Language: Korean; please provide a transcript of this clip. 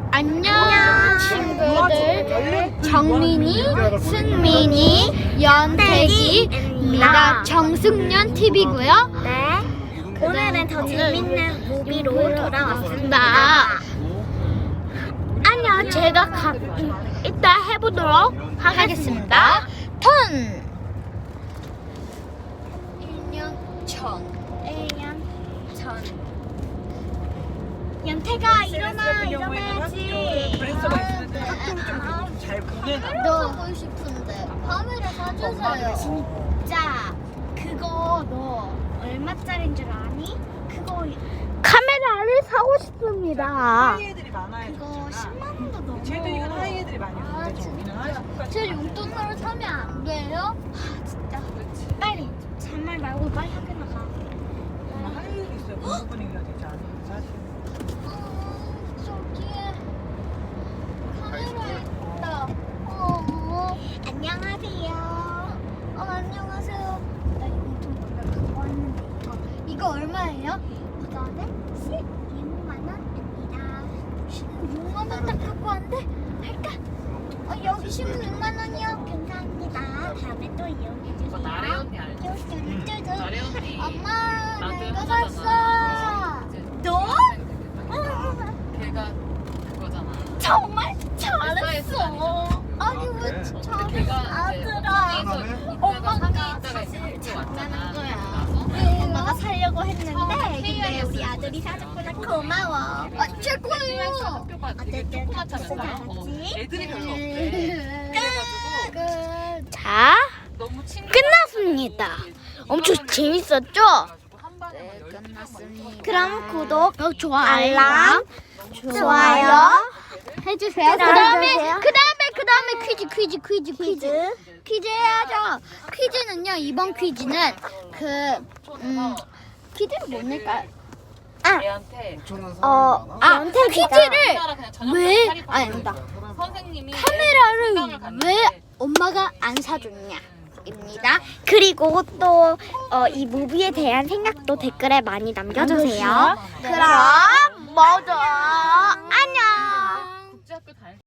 안녕 친구들, 정민이, 승민이, 연태기입니다. 정승년 TV고요. 네, 오늘은 더 재밌는 무비로 돌아왔습니다. 안녕, 제가 이따 해보도록 하겠습니다. 턴 1년 전. 연태가 일어나야지. 브레스가 있는데 학교를 좀잘 보내나? 너 보고 싶은데 카메라 사주세요. 진짜 그거 너 얼마짜리인 줄 아니? 그거 카메라를 사고 싶습니다. 하이 애들이 많아요. 그거 10만 원도 넘어. 쟤들이 하이 애들이 많이 오는데 저기는 하이 제 용돈으로 사면 안 돼요? 진짜 빨리 잔말 말고 빨리 학교 나가. 하이 애들이 있어요. 공부 분위기가 되지 않아요. 사실. 저기에 카메라 있다. 안녕하세요. 안녕하세요. 나 용돈 원래 갖고 왔는데 이거 얼마예요? 이거는 16만 원입니다. 16만 원 딱 갖고 왔는데 할까? 여기 16만 원이요. 감사합니다. 다음에 또 이용해 주세요. 나래 언니 알지? 나래 언니 엄마, 나한테 내가 하잖아. 샀어. 너? 걔가 그거잖아. 정말 잘했어. 아니 왜 걔가 아들아. 엄마가 사실 장난한 거야. 네. 엄마가 사려고 했는데 근데 우리 아들이 사줬구나. 고마워. 제 거예요. 학교가 되게 어쨌든 조그맣잖아. 잘했지? 애들이 별로 없대. 그래가지고 자, 너무 친구 끝났습니다. 엄청 재밌었죠? 네, 끝났습니다. 그럼 구독, 좋아요, 알람, 좋아요 해주세요. 해주세요. 그다음에 퀴즈 해야죠. 퀴즈는요, 이번 퀴즈는 퀴즈를 못 낼까요? 얘한테 퀴즈를 그냥 저녁 왜 차리고 아닙니다. 선생님이 카메라를 생각을 갔는데 왜 엄마가 안 사줬냐입니다. 그리고 또 이 무비에 대한 생각도 댓글에 많이 남겨주세요. 그럼 모두